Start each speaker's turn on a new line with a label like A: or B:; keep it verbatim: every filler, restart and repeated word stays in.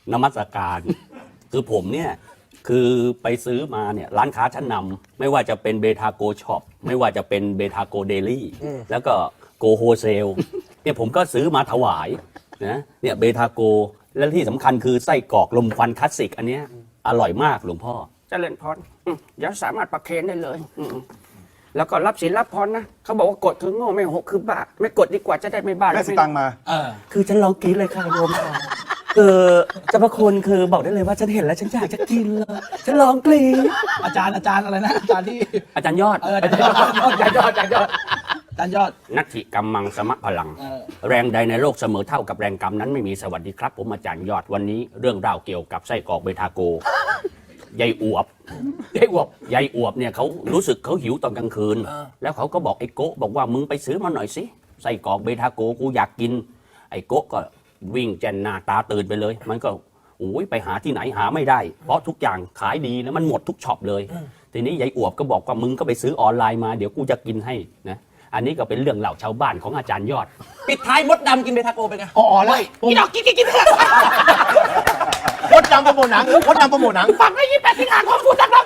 A: นมัสการคือผมเนี่ยคือไปซื้อมาเนี่ยร้านค้าชั้นนำไม่ว่าจะเป็นเบทาโกช็อปไม่ว่าจะเป็นเบทาโกเดลี่แล้วก็โกโฮเซลเนี่ยผมก็ซื้อมาถวายนะเนี่ยเบทาโกและที่สำคัญคือไส้กรอกลมควันคลาสสิกอันเนี้ยอร่อยมากหลวงพ่อ
B: เจริญพรอืมเดี๋ยวสามารถประเคนได้เลยอืมแล้วก็รับศีลรับพรนะเขาบอกว่ากดคือโง่ไม่หกคือบ้าไม่กดดีกว่าจะได้ไม่บ้า
C: ได้สตังค์มา
D: เออ
A: คือฉันลองกินเลยค่ะโยมค่ะคือเจ้าพระคุณคือบอกได้เลยว่าฉันเห็นแล้วฉันอยากจะกินเลยฉันลองกรีด
D: อาจารย์อาจารย์อะไรนะอาจารย์ที่
A: อาจารย์ยอด
D: เอออาจารย์ยอดอาจารย์ยอดอาจารย์ยอดอาจารย์ยอด
A: นัตถิกรรมังสมะพลัง
D: เออ
A: แรงใดในโลกเสมอเท่ากับแรงกรรมนั้นไม่มีสวัสดีครับ ผมอาจารย์ยอดวันนี้เรื่องราวเกี่ยวกับไส้กรอกเบทาโกยายอวบ
D: ยายอวบ
A: ยายอวบเนี่ยเขารู้สึกเขาหิวตอนกลางคืน
D: เออ
A: แล้วเขาก็บอกไอ้โกะบอกว่ามึงไปซื้อมาหน่อยสิไส้กรอกเบทาโกกูอยากกิน ไอ้โกะก็วิ่งแจนหน้าตาตื่นไปเลย มันก็โอ้ยไปหาที่ไหนหาไม่ได้ เพราะทุกอย่างขายดีแล้วมันหมดทุกช็อปเลยทีนี้ยายอวบก็บอกว่ามึงก็ไปซื้อออนไลน์มาเดี๋ยวกูจะกินให้นะอันนี้ก็เป็นเรื่องเล่าชาวบ้านของอาจารย์ยอด
D: ปิดท้ายมดดำกินเบทาโกเป็นไง
C: อ๋อแล้ว
D: กินเอากินกินกิน
C: มดดำโปรโมทหนังมดดำโปรโมทหนัง
D: ฟังได้ยี่แปดสิงหาคมพูดจักร